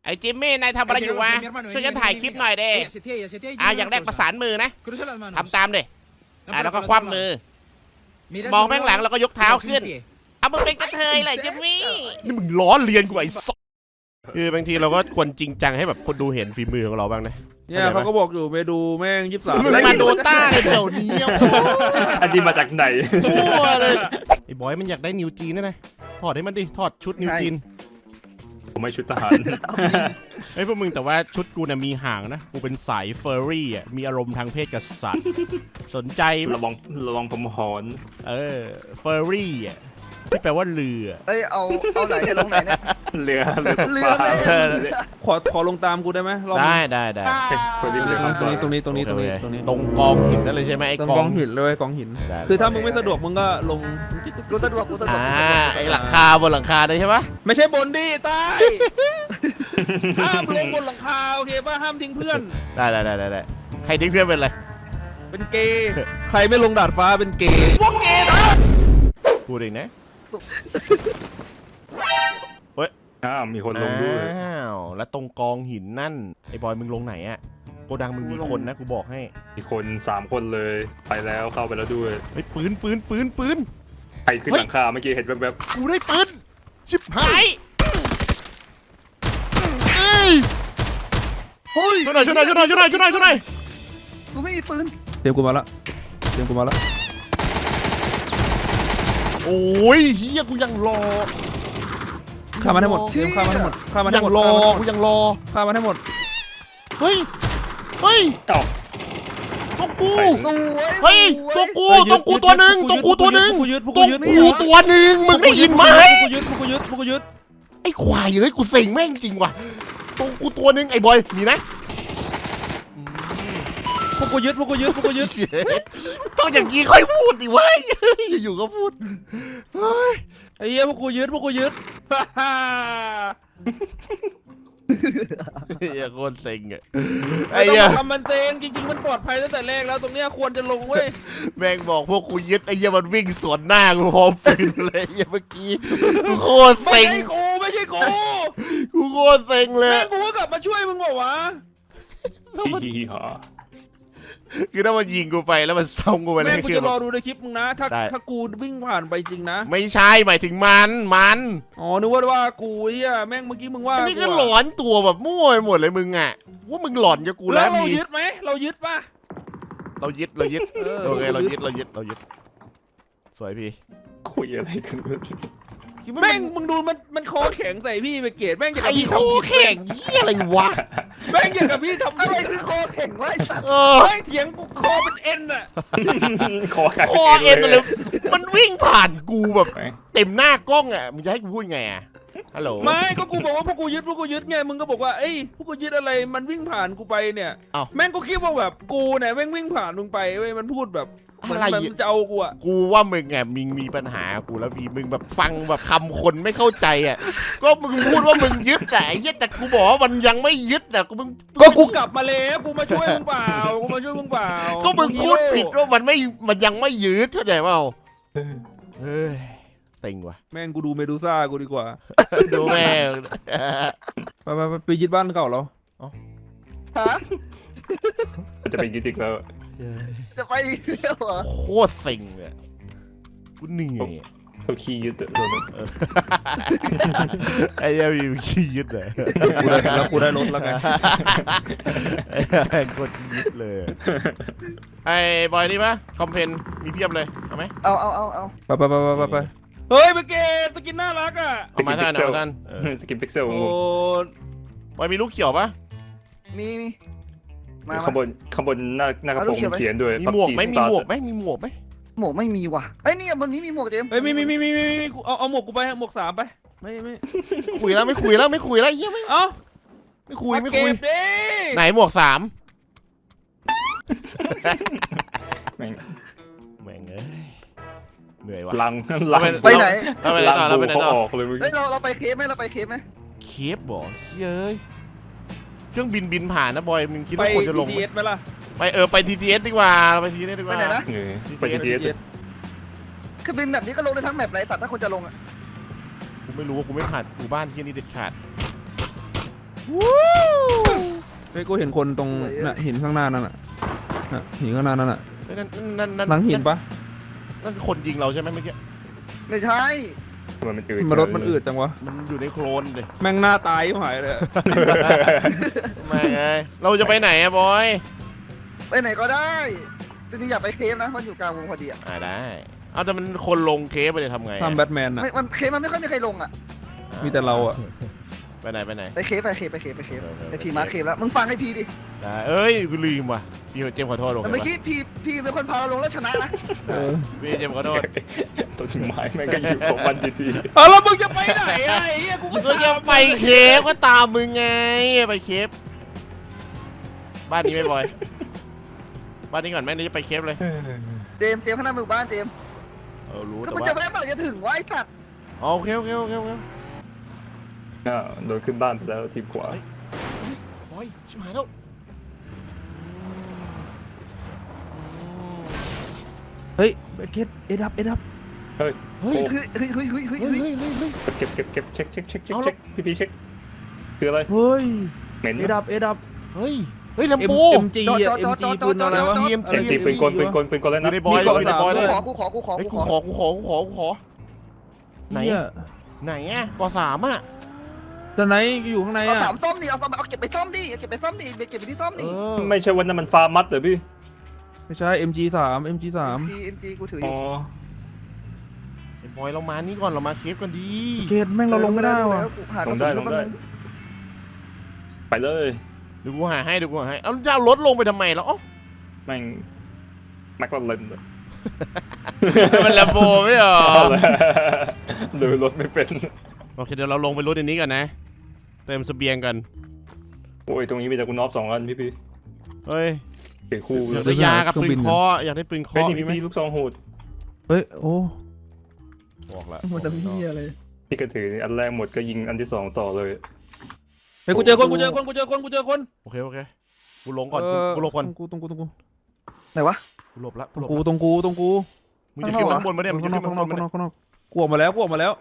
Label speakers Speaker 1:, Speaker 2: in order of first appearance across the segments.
Speaker 1: อ้จิมมี่นายทำอะไรอยู่วะช่วยฉันถ่ายคลิปหน่อยเด้อยากได้ประสานมือนะทำตามเด้แล้วก็คว่ำมือมองแม่งหลังแล้วก็ยกเท้าขึ้นเอามึงเป็นกระเทยเลยจิมมี่นี่มึงล้อเลียนกูไอ้สัสคือบางทีเราก็ควรจริงจังให้แบบคนดูเห็นฝีมือของเราบ้างนะ
Speaker 2: เนี่ยเขาก็บอกอยู่ไปดูแม่ง23
Speaker 1: มึงมาโดต้าเลยแถวนี้
Speaker 3: อันนี้มาจากไหน
Speaker 1: ทั่วเลยไอ้บอยมันอยากได้นิวจีนนะถอดให้มันดิถอดชุดนิวจีน
Speaker 3: ผมไม่ชุดทหาร
Speaker 1: ไอ้พวกมึงแต่ว่าชุดกูน่ะมีหางนะกูเป็นสายเฟอร์รี่อ่ะมีอารมณ์ทางเพศกับสัตว์สนใจ
Speaker 3: ระวังผมหอน
Speaker 1: เฟอร์รี่อ่ะที่แปลว่าเรือ
Speaker 4: เอาไหนเนี่ยลงไหนเนี่ย
Speaker 3: เรือ
Speaker 2: ขอลงตามกูได้ไหม
Speaker 1: ได้
Speaker 2: ตรงนี้ต
Speaker 1: รงกองหินนั่นเลยใช่ไหมไอ้
Speaker 2: กองหินเลยกองหินคือถ้ามึงไม่สะดวกมึงก็ลง
Speaker 4: กูสะดวก
Speaker 1: ไอ้หลังคาบนหลังคาได้ใช่ปะ
Speaker 2: ไม่ใช่บนดิใต้ห้ามลงบนหลังคาโอเคป่ะห้ามทิ้งเพื่อน
Speaker 1: ได้ใครทิ้งเพื่อนเป็นอะไร
Speaker 2: เป็นเกย์ใครไม่ลงดาดฟ้าเป็นเกย์พวกเกย์นะ
Speaker 1: พูดเองนะ
Speaker 3: มีคนลงด้วย
Speaker 1: แล้วตรงกองหินนั่นไอ้บอยมึงลงไหนอะโกดังมึงมีคนนะกูบอกให้
Speaker 3: มีคน3 คนเลยไปแล้วเข้าไปแล้วด้วย
Speaker 1: ไอ้ปืน
Speaker 3: ใครขึ้นหลังคาเมื่อกี้เห็นแบบ
Speaker 1: กูได้ปืนชิบหายช่วยหน่อย
Speaker 4: กูไม่มีปืน
Speaker 2: เตรียมกูมาละ
Speaker 1: โอ้ยเฮียกูยังรอ
Speaker 2: ฆ่ามันให้หมดฆ่ามันให้หมด
Speaker 1: กูยังรอ
Speaker 2: ฆ่ามันให้หมด
Speaker 1: เฮ้ยต้องกูตัวหนึ่งมึงได้ยินไหม
Speaker 2: พวกยึด
Speaker 1: ไอ้ควายเฮ้ยกูเซ็งแม่งจริงว่ะต้องกูตัวหนึ่งไอ้บอยมีนะ
Speaker 2: พวกกูยึด
Speaker 1: ต้องอย่างนี้ค่อยพูดดิเว้ยอยู่ก็พูด
Speaker 2: ไอ้เหี้ยพวกกูยึด
Speaker 1: เฮียโคตรเซ็งอ่ะ
Speaker 2: ไอ้เหี้ยทำมันเซ็งจริงๆมันปลอดภัยตั้งแต่แรกแล้วตรงเนี้ยควรจะลงเว้ย
Speaker 1: แม่งบอกพวกกูยึดไอ้เหี้ยมันวิ่งสวนหน้ากูพร้อมปืนเลยเหี้ยเมื่อกี้กูโคตรเซ็ง
Speaker 2: ไม่ใช่กู
Speaker 1: กูโคตรเซ็งเลย
Speaker 2: แม่งกูก็กลับมาช่วยมึงบอกวะ
Speaker 1: คือถ้ามันยิงกูไปแล้วมันส่งกูไปเลย
Speaker 2: แม่งกูจะรอดูในคลิปมึงนะถ้ากูวิ่งผ่านไปจริงนะ
Speaker 1: ไม่ใช่หมายถึงมัน
Speaker 2: อ๋อนึกว่ากูเฮียแม่งเมื่อกี้มึงว่า
Speaker 1: นี่ก็หลอนตัวแบบมั่วไปหมดเลยมึงอ่ะว่ามึงหลอนกับกูแล้ว
Speaker 2: เรายึดไหมเรายึดป่ะ
Speaker 1: เรายึดโอเคเรายึดสวยพี่
Speaker 3: คุยอะไรกัน
Speaker 2: แม่งมึงดูมันคอแข็งใส่พี่ไปเกตแม่งอยากกับพี่
Speaker 1: ทำแข็งยี่อะไรวะ
Speaker 2: แม่งอยากกับพี่ทำ
Speaker 4: อะไรคือคอแข็งวะไอ้สัตว์
Speaker 2: แม่งเถียงกูคอเป็นเอ็นอะ
Speaker 1: คอเอ็นเลยมันวิ่งผ่านกูแบบเต็มหน้ากล้องอ่ะมึงจะให้กูพูดไงอ่ะฮัลโหล
Speaker 2: ไม่ก็กูบอกว่าพวกกูยึดไงมึงก็บอกว่าเอ้ยพวกกูยึดอะไรมันวิ่งผ่านกูไปเนี่ยแม่งก็คิดว่าแบบกูเนี่ยแม่งวิ่งผ่านมึงไปเว้ยมันพูดแบบมันจะเอากูอ่ะ
Speaker 1: กูว่ามึงไงมึงมีปัญหากูแล้วมึงแบบฟังแบบคำคนไม่เข้าใจอ่ะก็มึงพูดว่ามึงยึดแต่แต่กูบอกว่ามันยังไม่ยึดอ่ะ
Speaker 2: กูกลับมาแล้วกูมาช่วยมึงเปล่า
Speaker 1: ก็มึงพูดผิดว่ามันยังไม่ยึดเข้าใจเปล่าเฮ้ยเต็งว่ะ
Speaker 2: แม่งกูดูเมดูซ่ากูดีกว่า
Speaker 1: ดูแม่ง
Speaker 2: ไปยึดบ้านเก่าเรา
Speaker 3: จะไปยึดอีกแล้ว
Speaker 4: จะไปแล้วเหรอ
Speaker 1: โคตรเซ็งเลยกูเหนื่อย
Speaker 3: เขาขี้ยึดเลย
Speaker 1: ไอ้เหี้ยมีขี้ยึดเลย
Speaker 2: แล้วกูได้รถแล้วไง
Speaker 1: ไอ้กดยึดเลยไอ้บอยนี่ปะคอมเพนมีเพียบเลยเอาไหม
Speaker 4: เอา
Speaker 2: ไปเฮ้ยไปเกตสกินน่ารักอ่ะ
Speaker 1: มาท่าน
Speaker 3: สกินพิกเซล
Speaker 2: โอ้
Speaker 1: บอยมีลูกเขียวปะ
Speaker 4: มี
Speaker 3: ข้างบนหน้ากระโปรงเขียนด้วย
Speaker 1: มีหมวกไหมหมวกไม่มี
Speaker 4: ว่ะไอ้นี่วันนี้มีหมวกเจม
Speaker 2: เฮ้ยมีเอาหมวกกูไปหมวก3ไปไม่
Speaker 1: คุยแล้วไม่คุยแล้วเหี้ยไม่คุยไหนหมวก3แม่งเหนื่อยวะ
Speaker 3: ลัง
Speaker 4: ไปไหน
Speaker 1: เราไปไหนต่อ
Speaker 3: ออกเลย
Speaker 4: เฮ้ยเราไปเคฟไหม
Speaker 1: เคฟบ่เฮ้ยเครื่องบินผ่านนะบอยมึงคิดว่าควรจะลง
Speaker 2: ไป TTS ไหมล่ะ
Speaker 1: ไป TTS ดีกว่าเราไป TTS ดีกว่า
Speaker 4: ไปไหนนะ
Speaker 3: ไป TTS
Speaker 4: คือบินแบบนี้ก็ลงได้ทั้งแมปไรสัตว์ถ้าคนจะลงอ่ะ
Speaker 1: กูไม่รู้ว่ากูไม่ผ่านกูบ้านที่นี่เด็ดขาด
Speaker 2: เฮ้ยกูเห็นคนตรงน่ะหินข้างหน้านั่นน่ะหินข้างหน้านั่นน่ะ
Speaker 1: นั่น
Speaker 2: หลังหินปะ
Speaker 1: นั่นคนยิงเราใช่ไหมเมื่อกี้
Speaker 4: ไม่ใช่
Speaker 3: มันอืด
Speaker 2: มันรถมันอืดจังวะ
Speaker 1: มันอยู่ในโคลนเลย
Speaker 2: แม่งหน้าตายหายเลย
Speaker 1: ไม่ไงเราจะไปไหนอะบอย
Speaker 4: ไปไหนก็ได้จริงๆอยากไปเคฟนะมันอยู่กลางวงพอดีอะ
Speaker 1: ได้เอาแต่มันคนลงเคฟไปเลยทำไง
Speaker 2: ทำแบทแมนน่ะ
Speaker 4: มันเคฟมันไม่ค่อยมีใครลงอะ
Speaker 2: มีแต่เราอะ
Speaker 1: ไปไหน
Speaker 4: ไปเคฟไอพีมาเคฟแล้วมึงฟังไอพีดิ
Speaker 1: ได้เอ้ยกูลืมว่ะพี่เจมส์ขอโทษลง
Speaker 4: แต่เมื่อกี้พีเป็นคนพาเราลงแล้วชนะนะ
Speaker 1: พี่เจมส์ขอโทษ
Speaker 3: ต้นไม้แม่งก็อยู่ของมันดี
Speaker 2: เอาแล้วมึงจะไปไหนไอ้เหี้ยกู
Speaker 1: ก็จะไปเคฟก็ตามมึงไงไปเคฟบ้านนี้ไหม่บอยบ้านนี้ก่อนแม่นี่จะไปเคฟเลย
Speaker 4: เจมข้างหน้าหมู่บ้านเจม
Speaker 1: รู้
Speaker 4: ก็
Speaker 1: แต่
Speaker 4: มัน
Speaker 1: ว่า
Speaker 4: จะแวะเมื่อไหร่จะถึงวะไอ้สัตว์
Speaker 1: โอเค
Speaker 3: ๆโดนขึ้นบ้านไปแล้วทีมขวา
Speaker 1: บอยชิบหายแล้ว
Speaker 2: เฮ้ยเก็ตเอ็ดับ
Speaker 3: เฮ้ย
Speaker 1: เฮ้ย
Speaker 4: เฮ้ย
Speaker 3: เก็บเช็คพี่เช็คคืออะไร
Speaker 2: เฮ้ย
Speaker 3: เหม็น
Speaker 2: เอ็ดับ
Speaker 1: เฮ้ยลำโพ
Speaker 2: MG อะ MG ปืนอะไรวะ
Speaker 3: MG ปืนกลแล้ว
Speaker 1: อยู่
Speaker 3: นะ
Speaker 1: ในบอยอยู่ในบอยเลย
Speaker 4: กูขอ
Speaker 1: ขอไหน
Speaker 2: เหี้ย
Speaker 1: ไหนอ่ะก3อ่ะ
Speaker 2: แต่ไหนอยู่ข้างใน
Speaker 4: เอา
Speaker 2: อะ
Speaker 4: สามส้มดิเอาเก็บไปซ่อมดิเก็บไปที่ซ่อมดิ
Speaker 3: ไม่ใช่วันนั้นมันฟาร์มัดเหรอพี่
Speaker 2: ไม่ใช่ MG3
Speaker 4: MG กูถืออ
Speaker 3: อ๋อยู่
Speaker 1: ไอ้บอยเรามานี่ก่อนเรามาเคฟกันดี
Speaker 2: เกตแม่งเราลงไม่ได้ว่ะ
Speaker 4: หากระสุนเข้ามา
Speaker 3: ไปเลย
Speaker 1: เดี๋ยวกูหาให้เอาจะเอารถลงไปทำไมแล้วอ๋อ
Speaker 3: แม่งแม็กลาเรนเลย
Speaker 1: มันลำโบไม่เหรอ
Speaker 3: หรือรถไม่เป็น
Speaker 1: โอเคเดี๋ยวเราลงไปรถอันนี้กันนะเติมเสบียงกัน
Speaker 3: โอ้ยตรงนี้มีแต่คุณนอฟ2 อันพี่
Speaker 1: เฮ้ย
Speaker 3: เก๋คู่
Speaker 1: อยากได้ยากับปืนเคออยากได้ปืนเค
Speaker 3: เฮ้ย
Speaker 1: อ
Speaker 3: นี่
Speaker 1: มีไหม
Speaker 3: พี่ลูกซองโหด
Speaker 2: เฮ้ยโอ้
Speaker 1: บอกละ
Speaker 4: มันจะมีอะไร
Speaker 3: พี่ก็ถืออันแรกหมดก็ยิงอันที่2ต่อเลย
Speaker 2: เฮ้ยกูเจอคน
Speaker 1: โอเคกูลงก่อนกูหลบก่อน
Speaker 2: ตรงกู
Speaker 4: ไหนวะ
Speaker 1: กูหลบละ
Speaker 2: ตรงกู
Speaker 1: มึงจะขึ้นข้างบนมาเนี่ยมึงจะ
Speaker 2: ข้างน
Speaker 1: ขึ้
Speaker 2: อก
Speaker 1: น
Speaker 2: ข้า
Speaker 1: ข้าง ง
Speaker 2: น
Speaker 1: บ
Speaker 2: อก
Speaker 1: นมา
Speaker 2: ข้างน
Speaker 1: เนี่
Speaker 2: อย กกูออกมาแล้ว
Speaker 3: เข้าออกมาแล้ว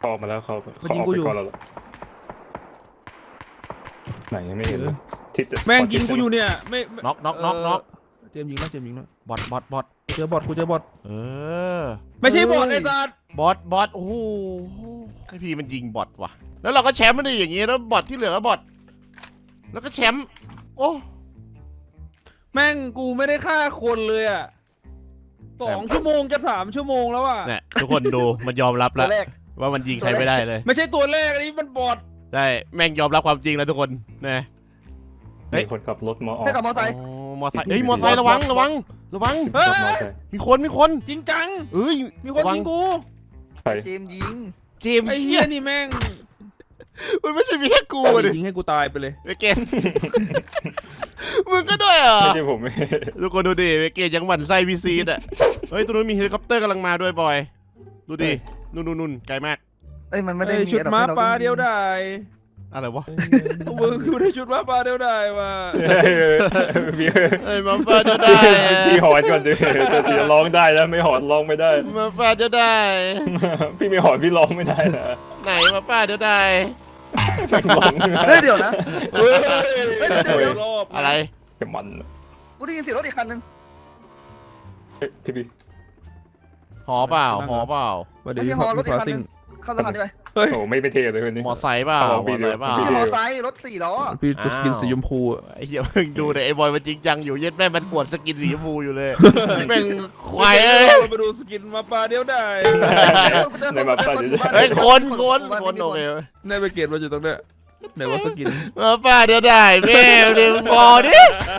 Speaker 3: ไหนไม่เห็นเลยทิศ
Speaker 2: แม่งยิงกูอยู่เนี่ยไม่
Speaker 1: น็อก
Speaker 2: เจมยิงแล้ว
Speaker 1: บอท
Speaker 2: กูเจอบอท
Speaker 1: เออ
Speaker 2: ไม่ใช่บอทไอ้สัตว์
Speaker 1: บอทโอ้โหไอพี่มันยิงบอทว่ะแล้วเราก็แชมป์มันได้อย่างงี้แล้วบอทที่เหลือก็บอทแล้วก็แชมป์โอ้
Speaker 2: แม่งกูไม่ได้ฆ่าคนเลยอ่ะ2 ชั่วโมงจะ3 ชั่วโมงแล้วอ่ะ
Speaker 1: เนี่ยทุกคนดูมันยอมรับ
Speaker 4: ตั
Speaker 1: แล้ว
Speaker 4: วแรก
Speaker 1: ว่ามันยิงใครไม่ได้เลย
Speaker 2: ไม่ใช่ตัวแรกอันนี้มันบอท
Speaker 1: ได้แม่งยอมรับความจริงแล้วทุกคนนะ
Speaker 3: มีคนขับรถมาออก
Speaker 4: ใช่กับมอไซค์
Speaker 1: มอไซค์เอ้ยมอไซค์ระวัง
Speaker 2: เฮ้ย
Speaker 1: มีคน
Speaker 2: จริงจัง
Speaker 1: เอ้ย
Speaker 2: มีคนยิงกู
Speaker 3: ใคร
Speaker 4: เจมยิง
Speaker 1: เจมส์
Speaker 2: ไอ้
Speaker 1: เชี่
Speaker 2: เหี้
Speaker 1: ย
Speaker 2: ยนี่แม่ง
Speaker 1: มันไม่ใช่มีแค่กูดิ
Speaker 2: ยิงให้กูตายไปเลย
Speaker 1: เวเกนมึงก็ด้วยเหรอ
Speaker 3: ไม่ใช่ผม
Speaker 1: ทุกคนดูดิเวเกนยังหมั่นไส้พีซีดอ่ะเฮ้ยตัวนู้นมีเฮลิคอปเตอร์กำลังมาด้วยบอยดูดินู่นไกลมาก
Speaker 4: เอ้ยมันไม่ได้มี
Speaker 2: ชุดม้าปลาเดียวได้
Speaker 1: อะไรวะ
Speaker 2: มึงคือได้ชุดม้าปลาเดียวได้ว่ะ
Speaker 1: เอ้ยมาฟาจะได้
Speaker 3: พี่หอนก่อนดิจะร้องได้แล้วไม่หอนร้องไม่ได้
Speaker 1: มาฟาจะได้
Speaker 3: พี่ไม่หอนพี่ร้องไม่ได้นะ
Speaker 1: ไหนมาฟาจะได้
Speaker 4: เฮ้ยเดี๋ยวนะ
Speaker 2: เฮ้ย
Speaker 4: เดี๋ยว
Speaker 2: รอบ
Speaker 1: อะไร
Speaker 3: จะมัน
Speaker 4: กูได้ยินเสียงรถอีกคันนึง
Speaker 3: พี่
Speaker 1: หอเปล่า
Speaker 4: ไม่ใช่ฮอรถอีกคันนึงเข้าสะพานได้ไหม
Speaker 2: เฮ้ย
Speaker 3: โอ้ไม่เท่เลยคนนี้
Speaker 1: มอไซค์เปล่า
Speaker 3: เอาพี่เดี๋ยว
Speaker 4: ไม่ใช่มอไซค์รถ4 ล้อ
Speaker 2: พี่ตัวสกินสีชมพูอ่ะ
Speaker 1: ไอ้เหี้ยมึงดูเลยไอ้บอยมันจริงจังอยู่เย็ดแม่มันปวดสกินสีชมพูอยู่เลยแม่งควายเอ้ย
Speaker 2: มาดูสกินม้าปลาเดียวได้
Speaker 1: เฮ้ยคนโอเค
Speaker 2: ในไปเกตมาอยู่ตรงเนี้ยไหนว่าสกิน
Speaker 1: มาฟาจะได้แม่เดี๋ยวพอดิ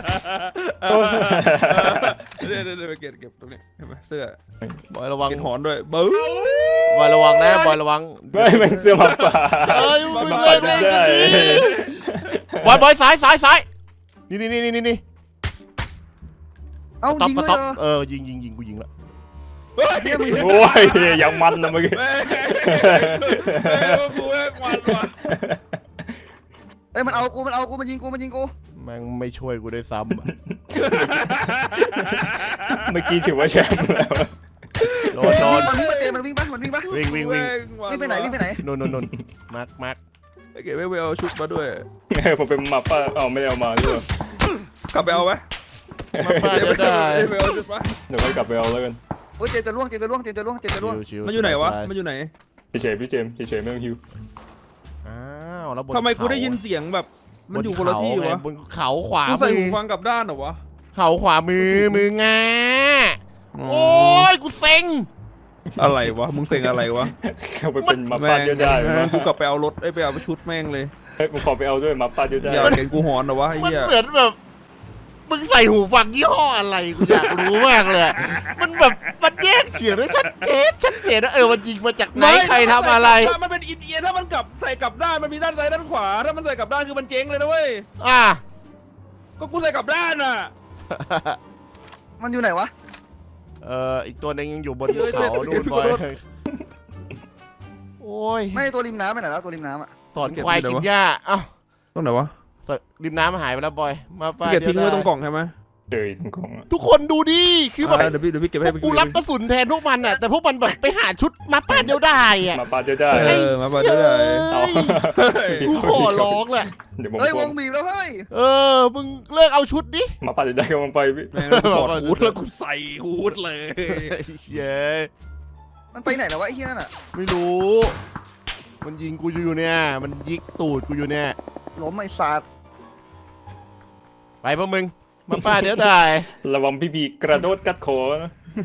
Speaker 2: เนี่ยไปเกตเก็บตรงนี้เห็นไหมเสื้อบ
Speaker 1: อยระวัง
Speaker 2: เกตหอนด้วยบื้อบ
Speaker 1: อยระวังนะบอยระวัง
Speaker 3: ไม่แม่งเสื้อหมาป่า
Speaker 1: เอ้ยมึงเล่นกันดิบอยซ้ายนี่
Speaker 4: เอ้ายิงเลย
Speaker 1: เออยิงกูยิงแล้ว
Speaker 4: เนี่ยมึง
Speaker 3: โอ้ยยังมันนะเมื่อกี้
Speaker 2: แม่กูแม่งมันว่ะ
Speaker 4: เอ้ยมันเอากูมันยิงกู
Speaker 1: แม่งไม่ช่วยกูด้วยซ้
Speaker 3: เมื่อกี้ถือว่าแชมป์แล้ว
Speaker 1: ำโดน
Speaker 4: มันวิ่งมาเจมันวิ่งปะ
Speaker 1: วิ่ง
Speaker 4: วิ่งไปไหน
Speaker 1: นู่นมาร์ค
Speaker 2: ไอ้เก๋ไม่เอาชุดมาด้วย
Speaker 3: ผมเป็นหมาป้าเอาไม่ได้เอามาด้วย
Speaker 2: กลับไปเอาไหม
Speaker 1: มาป้าเดี๋ยวได้
Speaker 2: ไม่เอาชุดมา
Speaker 3: เดี๋ยวค่อยกลับไปเอาแล้วกัน
Speaker 4: โอ้ยเจมจะล่วงเจมจะล่วงเจมจะล่วงเจมจะล่วง
Speaker 1: ชิวๆ
Speaker 2: มันอยู่ไหนวะมันอยู่ไหน
Speaker 3: เฉยๆพี่เจมส์เฉยๆไม่ต้องฮิว
Speaker 1: อ้าวแล้วบน
Speaker 2: ทำไมกูได้ยินเสียงแบบมันอยู่คนละที่วะ
Speaker 1: บนเขาขวา
Speaker 2: กูใส่
Speaker 1: มื
Speaker 2: หู
Speaker 1: อ
Speaker 2: ฟังกลับด้านเหรอวะ
Speaker 1: เขาขวามือมืองาโอ้ยกูเซ็ง
Speaker 2: อะไรวะมึงเซ็งอะไรวะ
Speaker 3: เขาไปเป็นหมาป้าเดียวได้
Speaker 2: แม่งกูกลับไปเอารถไปเอาชุดแม่งเลย
Speaker 3: เฮ้ยผมขอไปเอาด้วยหมาป้าเดียวได้
Speaker 2: อยากเห็นกูหอนเหรอวะไอ้
Speaker 1: มัน
Speaker 2: เหี้ย
Speaker 1: เหมือนแบบมึงใส่หูฟังยี่ห้ออะไรกูอยากรู้มากเลยมันแบบมันแยกเสียงได้ชัดเจนนะมันยิงมาจากไหนใครทำอะไร
Speaker 2: มันเป็นอินเอียร์ถ้ามันกลับใส่กลับด้านมันมีด้านซ้ายด้านขวาถ้ามันใส่กลับด้านคือมันเจ๊งเลยนะเว้ย
Speaker 1: อ่ะ
Speaker 2: ก็กูใส่กลับด้านอ่ะ
Speaker 4: มันอยู่ไหนวะ
Speaker 1: อีกตัวหนึงยังอยู่บนภูเขาดูนบอยโอ้ย
Speaker 4: ไม่ตัวริมน้ำไปไหนแล้วตัวริมน้ำอ่ะ
Speaker 1: สอนควายกินหญ้าเอ้า
Speaker 2: ตรงไหนวะ
Speaker 1: ริมน้ำหายไปแล้วบอยมาป้า
Speaker 2: เก็บทิ้ง
Speaker 1: เดี๋ยว
Speaker 2: ไว้ตรงก
Speaker 1: ได้
Speaker 2: ล่องใช่ไหม
Speaker 3: เจอตรงของอะ
Speaker 1: ทุกคนดูดิคือแบบ
Speaker 2: เดี๋ยวพี่เก็บให้
Speaker 1: กูรับกระสุนแทนพวกมันอ่ะแต่พวกมันแบบไปหาชุดมาป้าเดียวได้อ่ะ
Speaker 3: หมาป้าเดียวได้
Speaker 2: มาบ้าได้
Speaker 3: เอา
Speaker 1: กูขอร้องแหละ
Speaker 3: เดี๋ยวผม
Speaker 4: เฮ้ยวงบีบแล้วเฮ้ย
Speaker 1: มึงเลิกเอาชุดดิ
Speaker 3: หมาป้าเดียวได้กำลังไปพี่
Speaker 2: แม่งถอดฮูดแล้วกูใส่ฮูดเลย
Speaker 1: เย้
Speaker 4: มันไปไหนแล้ววะไอ้เหี้ยนั่นอ่ะ
Speaker 1: ไม่รู้ มันยิงกูอยู่เนี่ยมันยิกตูดกูอยู่เนี่ย
Speaker 4: ล้มไอ้สัตว์
Speaker 1: ไปพวกมึงมาป้าเดี๋ยวได้
Speaker 3: ระวังพี่บีกระโดดกัดคอนะ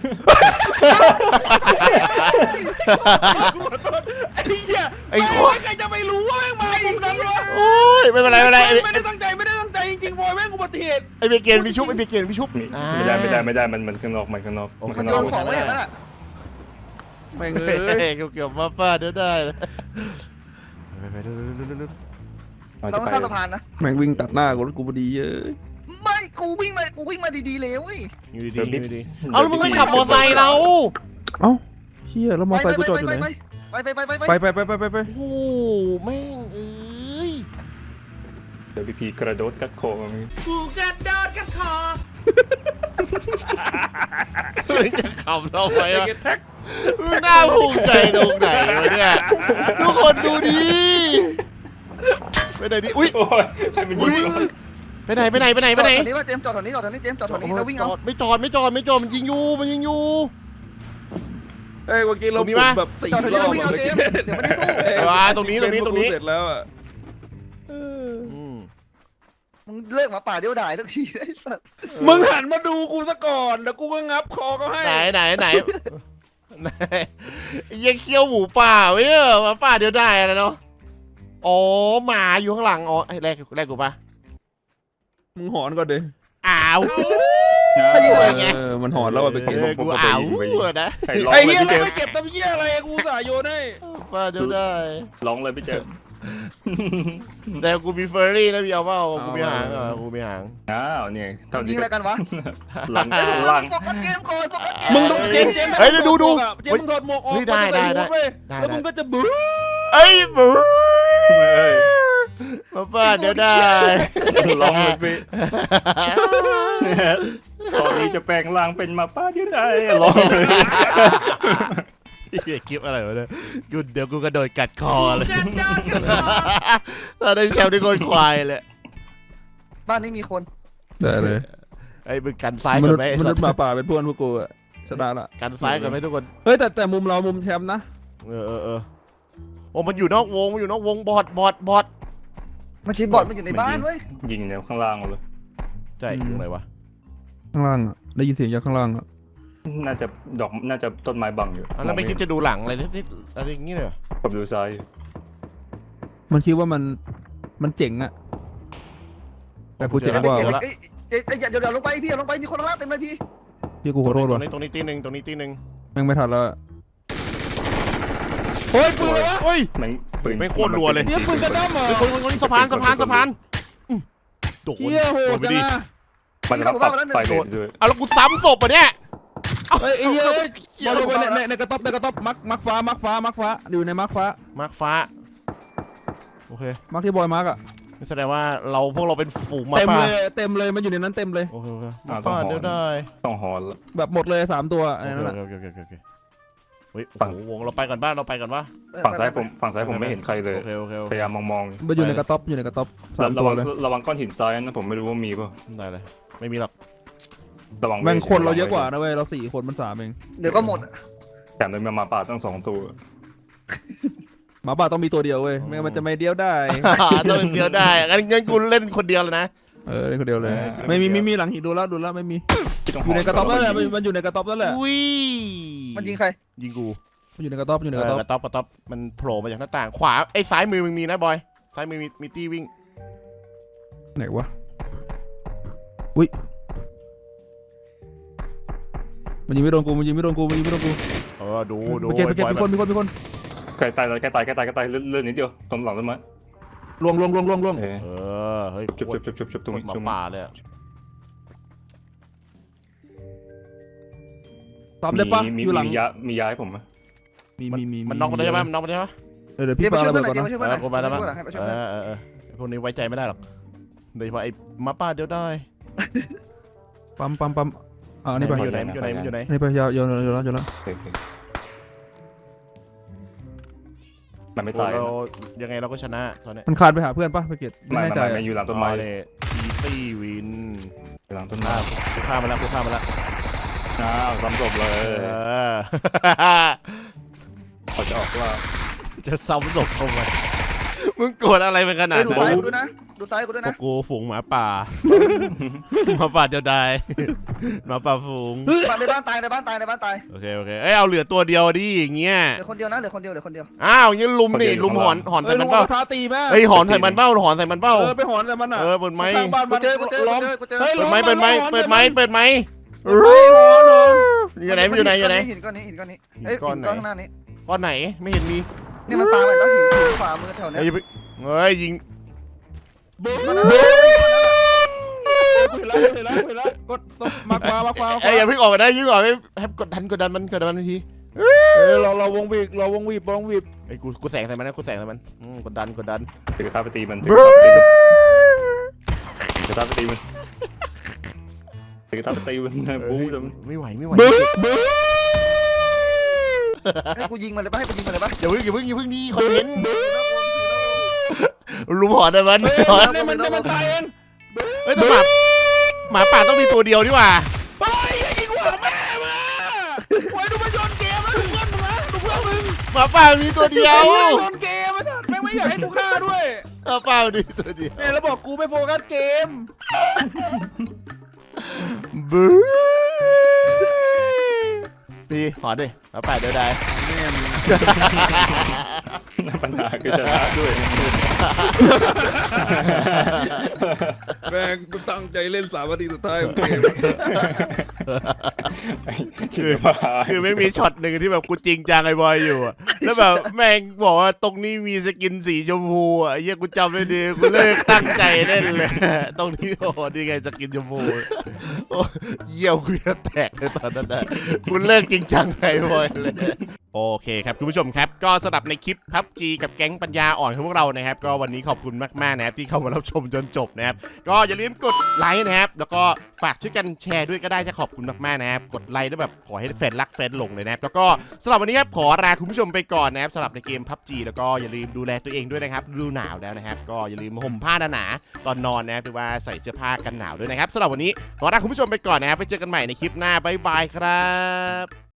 Speaker 2: ไอ้เหี้ย
Speaker 1: ไอ้คน
Speaker 2: ใครจะไปรู้ว่าแม่งมามุมนั้นวะ
Speaker 1: โอ้ยไม่เป็นไรไม่เป็นไร
Speaker 2: ไม่ได้ตั้งใจจริงๆบอยแม่งอุบัติเหตุ
Speaker 1: ไอ้เบเกนพี่ชุบไอ้เบเกนพี่ชุบ
Speaker 3: ไม่ได้มันข้างนอกมันข้างนอก
Speaker 4: มันโยนของไว้อย่างนั้นอ่ะ
Speaker 2: แม่ง
Speaker 1: เ
Speaker 2: เอ้ย
Speaker 1: กี่ยวมาป้าเดี๋ยวได้ไปดู
Speaker 4: เราต้องสร้างสะพานนะ
Speaker 2: แม่งวิ่งตัดหน้ากูแล้วกูพอดีเอ้ย
Speaker 4: ไม่กูวิ่งมาดีๆเลยเว้ย
Speaker 1: อยู่ดีอยู่ดีเอาแล้วมึงไม่ขับมอไซค์เรา
Speaker 2: เอ้าเชี่ยแล้วมอไซค์กูจอดอยู่ไหน
Speaker 4: ไป
Speaker 2: ไป
Speaker 1: โอ้แม่งเอ้ย
Speaker 3: เดี๋ยวพี่กระโดดกัดคอมา
Speaker 2: กูกระโดดกันคอ
Speaker 1: จะขับเราไป
Speaker 2: ไอ้
Speaker 1: วะ
Speaker 2: เก็ตแท็ก
Speaker 1: มึงน่าภูมิใจตรงไหนวะเนี่ยทุกคนดูดิไปไหนดิอุ้ย
Speaker 3: โอ้ยใครเป็นยิง
Speaker 1: ไปไหน
Speaker 4: จอดแถวนี้ว่าเจมจอดแถวนี้เจมจอดแถวนี้แล้ววิ่งเอา
Speaker 1: ไม่จอดมันยิงอยู่
Speaker 2: เอ้ยเมื่อกี้เรา
Speaker 1: ตรงนี้ปะ
Speaker 2: แบบ4
Speaker 4: จอดแถวนี้
Speaker 2: รอบ
Speaker 4: แล้ววิ่งเอาเจมเดี๋ยวไม่ได้สู้
Speaker 1: ตรงนี้
Speaker 2: เสร็จแล้วอ่ะ
Speaker 4: มึงเลิกมาป่าเดียวดายสักทีไอ้สัตว์
Speaker 2: มึงหันมาดูกูซะก่อนแล้วกูก็งับคอเขาให้
Speaker 1: ไหนยังเคี้ยวหมูป่าไว้มาป่าเดียวได้อะไรเนาะอ๋อหมาอยู่ข้างหลังอ๋อแรกกูปะ
Speaker 2: มึงหอนก่อนดิ
Speaker 1: อ้าว
Speaker 2: มันหอนแล้วอ่ะไปเก็บ
Speaker 1: กูอ้าวนะ
Speaker 3: ใครร้อง
Speaker 2: ไอ้
Speaker 3: เลย
Speaker 2: เหี้ย
Speaker 3: พี่เจ
Speaker 2: เรา
Speaker 3: ม
Speaker 2: ไปเก็บตำเหี้ยอะไรกูสายโยนให้
Speaker 1: ป่าเดียวได้
Speaker 3: ร้องเลยพี่เจม
Speaker 1: แต่กูมีเฟอร์รี่นะพี่เอาเปล่ากูมีหาง
Speaker 3: อ้าวเนี่ยเท่า
Speaker 4: ยิ
Speaker 3: นี้
Speaker 4: งอะไรกันวะ
Speaker 3: หลัง
Speaker 4: หลังโฟกัสเกมก่อนโฟกัสเกม
Speaker 2: มึงดูเจมเจมมึงถอดหมวกออกแล้วมึงก็จะบื้อ
Speaker 1: เอ้ยบูมาป่าเดี๋ยวได้
Speaker 3: ร้องเลยพี่ตอนนี้จะแปลงร่างเป็นหมาป้าเดียวได้ร้องเลย
Speaker 1: เฮียคลิปอะไรวะเนี่ยเดี๋ยวกูกระโดดกัดคอเลยตอนได้แชมป์ที่คนควายเลย
Speaker 4: บ้านนี้มีคน
Speaker 2: ได้เลย
Speaker 1: ไอ้มึงกันซ้าย
Speaker 2: ม
Speaker 1: ก่
Speaker 2: นุ
Speaker 1: อ
Speaker 2: ษ
Speaker 1: น
Speaker 2: ย์
Speaker 1: ไหม
Speaker 2: มนุษย์หมาป่าเป็นเพื่อนพวกกูอะชนะละ
Speaker 1: กันซ้ายก่อนไหมทุกคน
Speaker 2: เฮ้ยแต่มุมเรามุมแชมป์นะ
Speaker 1: เออโอ้มันอยู่นอกวงบอด
Speaker 4: มันชีบอดมันอยู่ในบ้านเว้ย
Speaker 3: ยิงแนวข้างล่างเลย
Speaker 1: ใช่อยู่ไหนวะ
Speaker 2: ข้างล่างอะได้ยินเสียงจากข้างล่างอะ
Speaker 3: น่าจะต้นไม้บังอยู่
Speaker 1: แล้วไม่คิดจะดูหลังอะไรที่อะไรอย่างงี้เลย
Speaker 3: ผมดูซ้าย
Speaker 2: มันคิดว่ามันเจ๋งอะแต่กูเจ๋งกว่า
Speaker 4: เดี๋ยวลงไปพี่ลงไปมีคนล่าเต็มเลยพี่
Speaker 2: พี่กูขอโทษ
Speaker 1: ตร
Speaker 2: ว่ะ
Speaker 1: งนี้ตีหนึ่ง
Speaker 2: แม่งไม่ทันแล้วเฮ้ยปืนเลยวะ
Speaker 1: เฮ้ย
Speaker 3: แม่งปืน
Speaker 1: แม่งโคตรรัวเลย
Speaker 2: เนี่ยปืนกระด้ามเหรอ
Speaker 1: คนสะพานโดน
Speaker 2: เชี่ยโหดจังอะ
Speaker 3: มันรับตัดไฟเลยด้วย
Speaker 1: เอาแล้วกูซ้ำศพอ่ะเนี่ย
Speaker 2: เฮ้ยไอ้เหี้ยบอลลงไปในกระต๊อบมักฟ้าอยู่ในมักฟ้า
Speaker 1: มาร์คฟ้าโอเค
Speaker 2: มักที่บอยมักอะ
Speaker 1: แสดงว่าพวกเราเป็นฝูงมา
Speaker 2: เต็ม
Speaker 1: ป่า
Speaker 2: เลยมันอยู่ในนั้นเต็มเลย
Speaker 1: โอเคมาป่าเดี๋ยวได้
Speaker 3: ต้องหอนแล้ว
Speaker 2: แบบหมดเลย3ตัวอะไรนั่นแหละ
Speaker 1: โอเคฮ้ยโอ้โหวงเราไปก่อนบ้านเราไปก่อนวะ
Speaker 3: ฝั่งซ้ายผมไม่เห็นใครเลย
Speaker 1: โอเคโอเคโอ
Speaker 3: พ
Speaker 1: เค
Speaker 3: ยายามมอง
Speaker 2: มันอยู่ในกระต๊อบอยู่ในกระต๊อบสาม
Speaker 3: ระ
Speaker 2: ตัว
Speaker 3: วัง
Speaker 2: เลย
Speaker 3: ระวังก้อนหินซ้ายนะผมไม่รู้ว่ามีป่ะ
Speaker 1: ได้เลยไม่มีหรอก
Speaker 3: ระวัง
Speaker 2: แม่งคนเราเยอะกว่านะเว้ยเรา4 คนมัน3เอง
Speaker 4: เดี๋ยวก็หมด
Speaker 3: แถมเลยมาป่าตั้ง2 ตัว
Speaker 2: หมาป่าต้องมีตัวเดียวเว้ยไม่งั้นมันจะไม่เดียวได้
Speaker 1: ต้องเป็นเดียวได้งั้นกูเล่นคนเดียวเลยนะ
Speaker 2: เล่นคนเดียวเลยไม่มีหลังหินดูแล้วไม่มีอยู่ในกระต๊อบนั่นแหละมันอยู่ในกระต๊อบนั่นแหละ
Speaker 1: อุ้ย
Speaker 4: มันยิงใคร
Speaker 1: ยิงกู
Speaker 2: มันอยู่ในกระต๊อบอยู่ในกระต๊อบ
Speaker 1: กระต๊อบมันโผล่มาจากหน้าต่างขวาไอ้ซ้ายมือมึงมีนะบอยซ้ายมือมีตี้วิ่ง
Speaker 2: ไหนวะอุ้ยมันยิงไม่โดนกู
Speaker 1: ดู
Speaker 2: เมื่อกี้มีคน
Speaker 3: ใกล้ตายเลื่อนนิดเดียวตรงหลังต้นไม้
Speaker 2: ล่วง
Speaker 1: เฮ้ย
Speaker 3: จุบตรงนี้
Speaker 1: หมาป่าเลย
Speaker 2: ตอบได้ปะอยู่หลัง
Speaker 3: มียาให้ผมไหม
Speaker 2: มี
Speaker 1: มันน็อกไปได้ไหมมันน็อกไปได้ไหม
Speaker 2: เดี๋ยว
Speaker 4: เดี๋
Speaker 2: พี่
Speaker 4: ยวไป
Speaker 2: ปา
Speaker 4: ช่วย
Speaker 2: ระ
Speaker 4: เพื่
Speaker 2: เบิ
Speaker 4: อน
Speaker 2: ด
Speaker 4: หน่อย
Speaker 2: ก่อน
Speaker 4: เดี๋ยว
Speaker 2: นะ
Speaker 4: ไปช่วยเพื่อนหน่อยให้ไปช่วยเพื่อน
Speaker 1: พวกนี้ไว้ใจไม่ได้หรอกโดยเฉพาะไอ้หมาป่าเดียวได้
Speaker 2: ปั๊มนี่ไป
Speaker 1: อยู่ไหน
Speaker 2: นี่ไปยาว
Speaker 3: มันไม่ตาย
Speaker 1: เรายังไงเราก็ชนะตอนนี้
Speaker 2: มันคานไปหาเพื่อนปะไปเกตไม่แน่ใจ
Speaker 3: ไม่อยู่หลังต้นไม้
Speaker 1: เลยอีตี้วิน
Speaker 3: หลังต้นไม้
Speaker 1: กูฆ่ามาแล้ว
Speaker 3: ซ้ำศพเลยเขาจะออกว่า
Speaker 1: จะซ้ำศพทำไมมึงโกรธอะไรเป็นขนาด
Speaker 4: ดู
Speaker 1: นั้น
Speaker 4: ซ้ายกูด้วยนะดูซ้ายกูด้วย
Speaker 1: พว
Speaker 4: นะ
Speaker 1: กกูฝูงหมาป่าหมาป่าเดียวดายหมาป่าฝูง
Speaker 4: ในบ้านตายในบ้านตาย
Speaker 1: โอเคเอ้ยเอาเหลือตัวเดียวดิอย่างเงี้ย
Speaker 4: เหลือคนเดียวนะเหลือคนเดียว
Speaker 1: อ้าวงี้ลุมนี่ลุมหอนใส่มันเป้า
Speaker 2: ท้าตีแม่
Speaker 1: เฮ้ยหอนใส่มันเป้า
Speaker 2: ไปหอนแต่มันอ่ะ
Speaker 1: เปิดไม้
Speaker 2: ข้างบ้าน
Speaker 4: กู
Speaker 2: มัน
Speaker 4: เจอ
Speaker 2: ล้อม
Speaker 1: เปิดไม้อยู่ไหน
Speaker 4: หินก้อนนี้เอ้ยหินก้อนข้างหน้านี้
Speaker 1: ก้อนไหนไม่เห็นมี
Speaker 4: นี่มันปาไปแล้วหินขวามือแถวเนี้ย
Speaker 1: เฮ้ยยิง
Speaker 2: เห็นแล้วกดมากกว่า
Speaker 1: เอ้ยอย่าเพิ่งออกไปได้ยิงก่อนให้กดดันมันที
Speaker 2: เราวงวีบ
Speaker 1: ไอ้กูแสงใส่มันนะกูแสงใส่มันกดดัน
Speaker 3: ถือกระทะไปตีมันถือกระทะไปตีมันบู๊จน
Speaker 1: ไม่ไหว
Speaker 4: ให้กูยิงมันเลยปะให้กูยิงมันเลยปะ
Speaker 1: อย่าเพิ่งนี่คอนเทนต์ลุมหอนได้มัน
Speaker 2: มันตายเอง
Speaker 1: เฮ้ยแต่หมาป่าต้องมีตัวเดียวดีกว่า
Speaker 2: ไปยิงหัวแม่มาไว้ดูมันโยนเกมแล้วดูเพื่อนมึง
Speaker 1: หมาป่ามีตัวเดียว
Speaker 2: โยนเกมแม่งไม่อยากให้กูฆ่าด้วย
Speaker 1: หมาป่ามีตัวเดียว
Speaker 2: เนี่ยแล้วบอกกูไม่โฟกัสเกม
Speaker 1: บู๊พี่หอนดิหมาป่าเดียวได้
Speaker 3: ปัญหาคือชนะด้วย
Speaker 2: แม่งกูตั้งใจเล่น3 นาทีสุดท้ายของเกม
Speaker 1: คือไม่มีช็อตหนึ่งที่แบบกูจริงจังไอ้บอยอยู่อะแล้วแบบแม่งบอกว่าตรงนี้มีสกินสีชมพูอ่ะเหี้ยกูจำได้ดีกูเลิกตั้งใจเล่นเลยตรงนี้โอ้นี่ไงสกินชมพูโอ้เยี่ยวกูจะแตกเลยตอนนั้นนะกูเลิกจริงจังไอ้บอยเลยโอเคครับคุณผู้ชมครับก็สำหรับในคลิปพับจีกับแก๊งปัญญาอ่อนของพวกเรานะครับก็วันนี้ขอบคุณมากๆนะครับที่เข้ามารับชมจนจบนะครับก็อย่าลืมกดไลค์นะครับแล้วก็ฝากช่วยกันแชร์ด้วยก็ได้จะขอบคุณมากๆนะครับกดไลค์ด้วยแบบขอให้แฟนรักแฟนหลงเลยนะครับแล้วก็สำหรับวันนี้ครับขอลาคุณผู้ชมไปก่อนนะครับสำหรับในเกมพับจีแล้วก็อย่าลืมดูแลตัวเองด้วยนะครับฤดูหนาวแล้วนะครับก็อย่าลืมห่มผ้าหนาๆตอนนอนนะครับหรือว่าใส่เสื้อผ้ากันหนาวด้วยนะครับสำหรับวันนี้ขอลาคุณผู้ชมไปก่อนนะครับไปเจอกันใหม่ในคลิปหน้าบ๊ายบายครับ